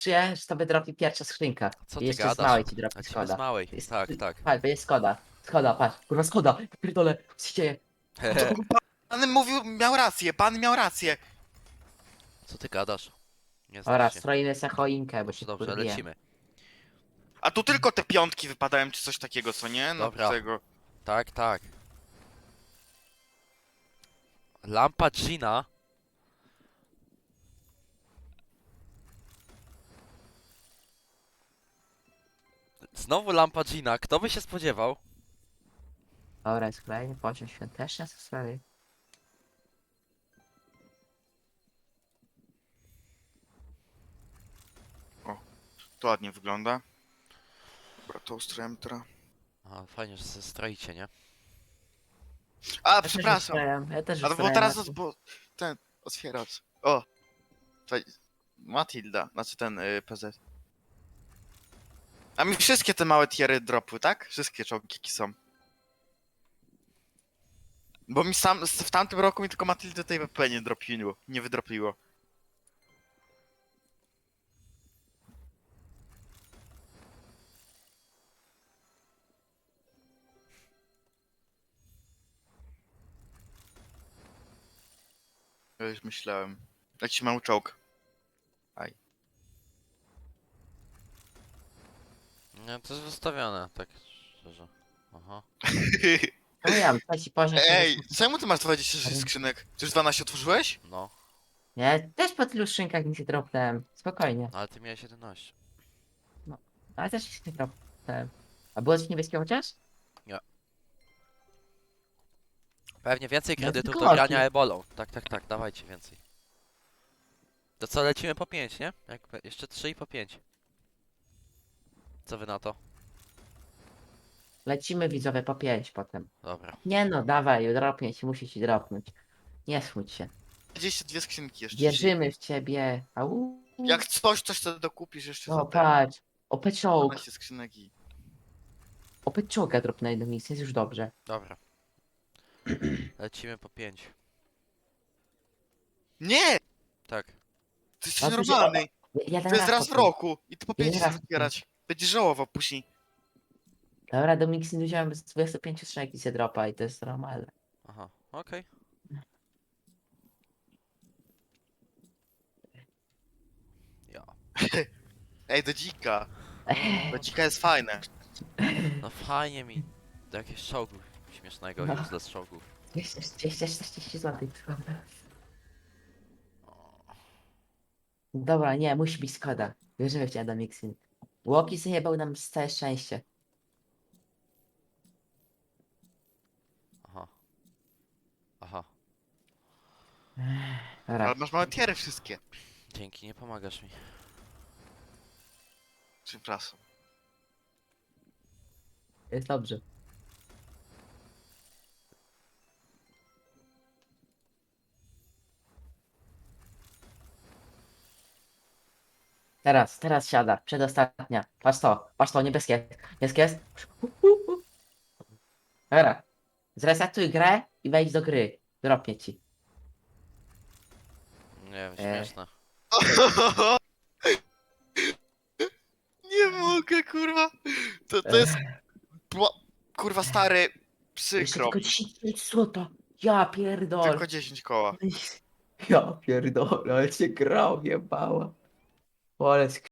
że tobie dropi pierwsza skrzynka. Co I ty jeszcze z gadasz? małej ci dropi Lecimy z Skoda. małej. Jest, Tak, tak. patrz, będzie Skoda. Skoda, patrz. Kurwa Skoda. Pierdolę, co się dzieje? Pan mówił, miał rację, pan miał rację. Co ty gadasz? Nie znasz Oraz się. stroimy se choinkę, bo się Dobrze, dobrze, wkurwiłem. lecimy. A tu tylko te piątki wypadają, czy coś takiego, co nie? No Dobra. tego. Tak, tak. Lampa Gina. Znowu lampa Gina. Kto by się spodziewał? Dobra, jest kolejny poziom świąteczny, co sprawy? To ładnie wygląda. Dobra, to ustrojem teraz. A, fajnie, że się stroicie, nie? A, Ja też przepraszam. ustrajam, ja też A to było ustrajam, teraz, Maciej. bo ten otwieracz. O! Tutaj Matilda, znaczy ten PZ. A mi wszystkie te małe tiery dropły, tak? Wszystkie czołgi jakie są. Bo mi sam w tamtym roku mi tylko Matildy tej WP nie dropiło, nie wydropiło. Ja już myślałem. Jakiś mały czołg. Aj. Nie, to jest wystawione, tak szczerze. Aha. No ja, trzeci poziom Ej, świąteczny. czemu ty masz 26 skrzynek? Czy już 12 otworzyłeś? No, Nie, też po tylu szynkach nic nie dropnąłem. Spokojnie. ale ty miałeś 11. Ale też nic nie dropnąłem. A było coś niebieskie chociaż? Pewnie więcej No, kredytów do tylko grania oki. ebolą. Tak, tak, tak, dawajcie więcej. To co, lecimy po 5, nie? Jeszcze 3 i po 5. Co wy na to? Lecimy widzowie po 5 potem. Dobra. Nie no, dawaj, dropnie ci, musi ci dropnąć. Nie smuć się. 22 skrzynki jeszcze. Wierzymy w ciebie. Au. Jak coś to dokupisz jeszcze za O, te patrz. Opeczołg. 12 skrzynek i... Opeczołga drop na jedną misję, jest już dobrze. Dobra. Lecimy po 5. Nie! Tak. Ty jesteś A tu się- normalny! Jeden To jest raz w potem. roku i ty po 5 Jeden chcesz raz. zbierać. Będziesz żałował później. Dobra, do Mixin wziąłem z 25 strzałek i się dropa i to jest normalne. Aha, okej. Ja. Ej, do dzika. Do dzika jest fajne. No fajnie mi. Do jakiegoś czołgu śmiesznego, No. useless czołgów. 240 zł. Dobra, nie, musi być Skoda. Wierzymy w ciebie do Mixin. Łoki zjebał nam całe szczęście. Aha. Aha. Dobra, Ale masz małe tiery wszystkie. Dzięki, nie pomagasz mi. Przepraszam. jest dobrze. Teraz siada, przedostatnia. Patrz to, niebieskie. Niebieskie jest. Dobra, zresetuj grę i wejdź do gry. Dropnie ci. Nie wiem, śmieszne. Nie mogę, kurwa. To jest... Kurwa stary... Jeszcze Przykro. tylko 10 złota. Ja pierdol. Tylko 10 koła. Ja pierdolę, ale cię grał, jebała. Ale